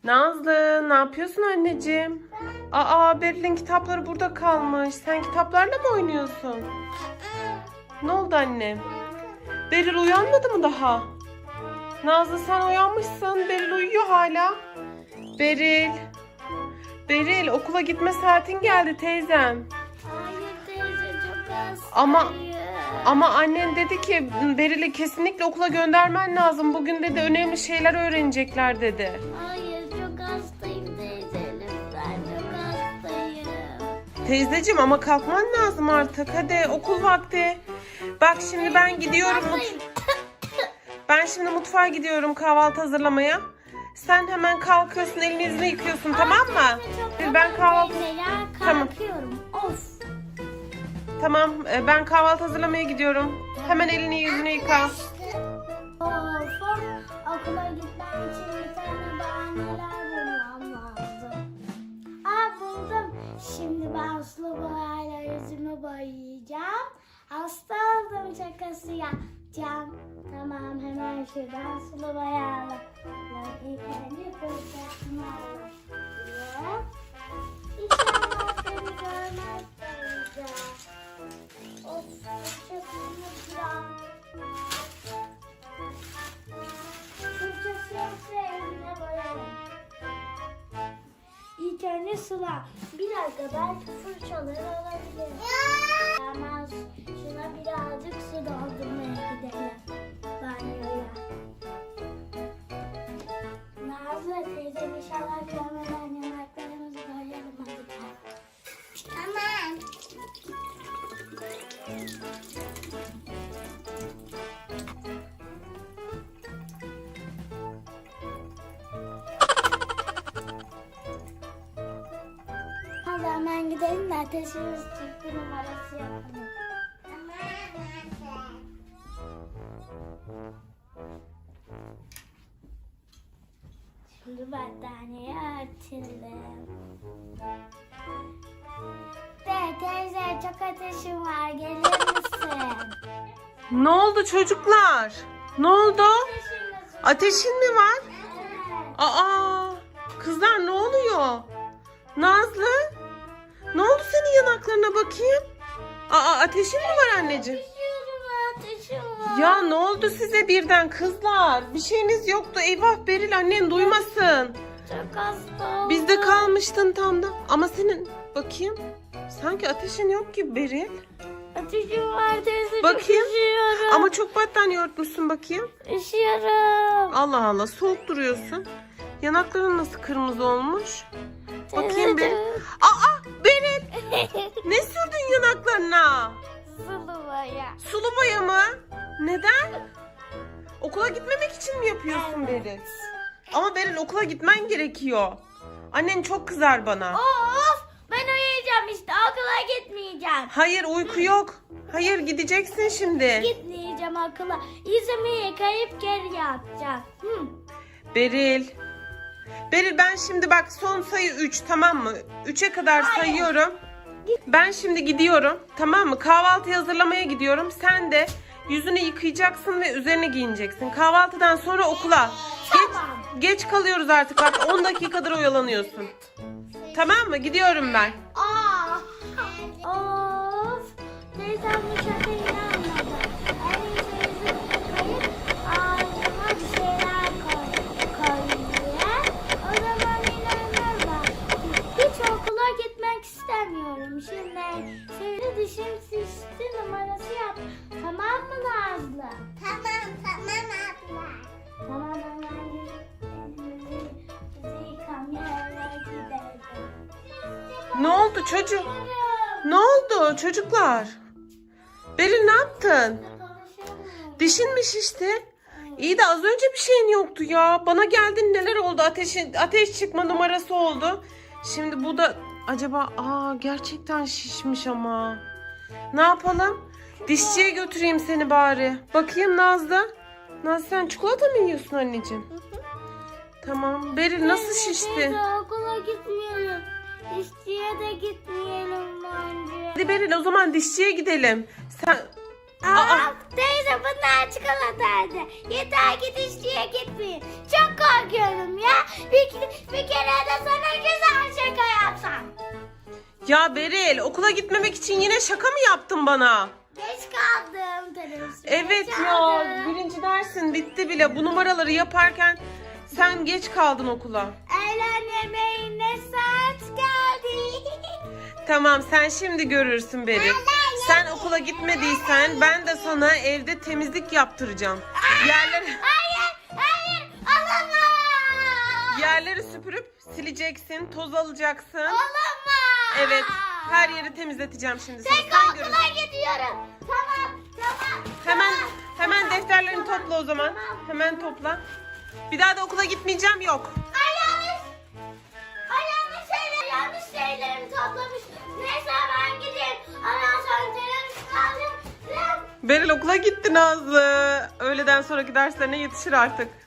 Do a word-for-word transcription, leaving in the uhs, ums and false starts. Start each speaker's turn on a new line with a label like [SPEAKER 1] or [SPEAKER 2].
[SPEAKER 1] Nazlı, ne yapıyorsun anneciğim? Aa, Beril'in kitapları burada kalmış. Sen kitaplarla mı oynuyorsun? Ne oldu annem? Beril uyanmadı mı daha? Nazlı, sen uyanmışsın. Beril uyuyor hala. Beril. Beril, okula gitme saatin geldi teyzem.
[SPEAKER 2] Hayır teyze, çok hastayım.
[SPEAKER 1] Ama ama annen dedi ki Beril'i kesinlikle okula göndermen lazım. Bugün dedi önemli şeyler öğrenecekler dedi.
[SPEAKER 2] Hayır, çok hastayım teyze, lütfen, çok hastayım.
[SPEAKER 1] Teyzeciğim ama kalkman lazım artık. Hadi okul vakti. Bak şimdi ben gidiyorum. mut- Ben şimdi mutfağa gidiyorum kahvaltı hazırlamaya. Sen hemen kalkıyorsun, elini yüzünü yıkıyorsun, tamam mı? Ben kahvaltı Tamam.
[SPEAKER 2] Kalkıyorum. Of.
[SPEAKER 1] Tamam, e, ben kahvaltı hazırlamaya gidiyorum. Hemen elini yüzünü yıka.
[SPEAKER 2] Of. Okula gitmem için bir tane bahaneler bulmam lazım. Aa, buldum. Şimdi ben sulu boyayla yüzümü boyayacağım. Hasta oldum şakası yapacağım. Tamam, hemen şuradan sulu boyayla. İlk önce fırçasını alıyorum. İnşallah beni görmez teyze. Of, fırçasını biraz. Fırçası yoksa eline boyarım. İlk önce sular. Bir dakika, belki fırçaları olabilir. Tamam, şuna birazcık su doldurmaya gidelim. Banyoya. Nazlı teyzem inşallah görmeden yanaklarımızı boyayalım hadi. Tamam. Hadi hemen gidelim de ateşimiz çıktı numarası yapalım. Şimdi battaniyeyi açalım. De teyze, çok ateşim var, gelir misin?
[SPEAKER 1] Ne oldu çocuklar? Ne oldu?
[SPEAKER 2] Ateşim var.
[SPEAKER 1] Ateşin mi var?
[SPEAKER 2] Evet.
[SPEAKER 1] Aa, kızlar ne oluyor? Nazlı? Ne oldu senin yanaklarına bakayım? Aa, ateşin mi var anneciğim?
[SPEAKER 2] Ateşim var, ateşim var.
[SPEAKER 1] Ya ne oldu size birden kızlar? Bir şeyiniz yoktu. Eyvah Beril, annen duymasın.
[SPEAKER 2] Çok hasta oldum.
[SPEAKER 1] Bizde kalmıştın tam da. Ama senin bakayım. Sanki ateşin yok gibi Beril.
[SPEAKER 2] Ateşim var teyze,
[SPEAKER 1] Bakayım.
[SPEAKER 2] çok üşüyorum.
[SPEAKER 1] Ama çok battaniye örtmüşsün bakayım.
[SPEAKER 2] Üşüyorum.
[SPEAKER 1] Allah Allah, soğuk duruyorsun. Yanakların nasıl kırmızı olmuş? Bakayım bir. Aa, Beril, ne sürdün yanaklarına?
[SPEAKER 2] Sulu boya.
[SPEAKER 1] Sulu boya mı? Neden? Okula gitmemek için mi yapıyorsun Beril? Ama Beril, okula gitmen gerekiyor. Annen çok kızar bana.
[SPEAKER 2] Of, ben uyuyacağım işte, okula gitmeyeceğim.
[SPEAKER 1] Hayır, uyku yok. Hayır, gideceksin şimdi.
[SPEAKER 2] Gitmeyeceğim okula. Yüzümü yıkayıp geri yatacağım. Hı.
[SPEAKER 1] Beril. Beril, ben şimdi bak son sayı üç, tamam mı? üçe kadar sayıyorum. Ben şimdi gidiyorum, tamam mı? Kahvaltı hazırlamaya gidiyorum. Sen de yüzünü yıkayacaksın ve üzerine giyineceksin. Kahvaltıdan sonra okula.
[SPEAKER 2] Tamam.
[SPEAKER 1] Geç, geç kalıyoruz artık, bak on dakikadır oyalanıyorsun. Tamam mı? Gidiyorum ben.
[SPEAKER 2] Aa. Of. Teyzem bu şaka inanmadı. Öyleyse yüzümü yıkayıp ağzıma bir şeyler koy, koyuyor. O zaman inanırlar. Hiç okula gitmek istemiyorum. Şimdi seni dişim şişti numarası yap. Tamam mı Nazlı? Tamam, tamam abla. Tamam, hemen elimizi yıkamaya gidelim.
[SPEAKER 1] Ne oldu çocuk? Ne oldu çocuklar? Beril, ne yaptın? Dişin mi şişti? İyi de az önce bir şeyin yoktu ya. Bana geldin, neler oldu? Ateşin, ateş çıkma numarası oldu. Şimdi bu da acaba aa gerçekten şişmiş ama. Ne yapalım? Dişçiye götüreyim seni bari. Bakayım Nazlı. Nazlı, sen çikolata mı yiyorsun anneciğim? Tamam. Beril, nasıl şişti?
[SPEAKER 2] Teyze, okula gitmeyelim. Dişçiye de gitmeyelim bence.
[SPEAKER 1] Hadi Beril, o zaman dişçiye gidelim. Sen
[SPEAKER 2] Aa, teyze bunlar çikolataydı. Yeter ki dişçiye gitmeyin. Çok korkuyorum ya. Bir, bir kere de sana güzel şaka yapsam.
[SPEAKER 1] Ya Beril, okula gitmemek için yine şaka mı yaptın bana?
[SPEAKER 2] Geç kaldım teneffüse.
[SPEAKER 1] Evet
[SPEAKER 2] geç
[SPEAKER 1] ya,
[SPEAKER 2] kaldım.
[SPEAKER 1] birinci dersin bitti bile. Bu numaraları yaparken sen geç kaldın okula.
[SPEAKER 2] Öğlen yemeğine saat geldi.
[SPEAKER 1] Tamam, sen şimdi görürsün Beril. Sen okula gitmediysen ben de sana evde temizlik yaptıracağım. Yerleri,
[SPEAKER 2] Hayır, hayır, olamaz.
[SPEAKER 1] yerleri süpürüp sileceksin, toz alacaksın.
[SPEAKER 2] Olamaz.
[SPEAKER 1] Evet, her yeri temizleteceğim şimdi. Sen,
[SPEAKER 2] Tek
[SPEAKER 1] sen görürsün.
[SPEAKER 2] okula gidiyorum. Tamam, tamam.
[SPEAKER 1] Hemen
[SPEAKER 2] tamam,
[SPEAKER 1] hemen
[SPEAKER 2] tamam,
[SPEAKER 1] defterlerini
[SPEAKER 2] tamam,
[SPEAKER 1] topla o zaman.
[SPEAKER 2] tamam.
[SPEAKER 1] Hemen topla. Bir daha da okula gitmeyeceğim, yok.
[SPEAKER 2] Ay yanlış. Ay yanlış şeyler, yanlış şeylerimi toplamış. Neyse ben gideyim. Ondan sonra teneffüs alacağım.
[SPEAKER 1] Beril okula gitti Nazlı. Öğleden sonraki derslerine yetişir artık.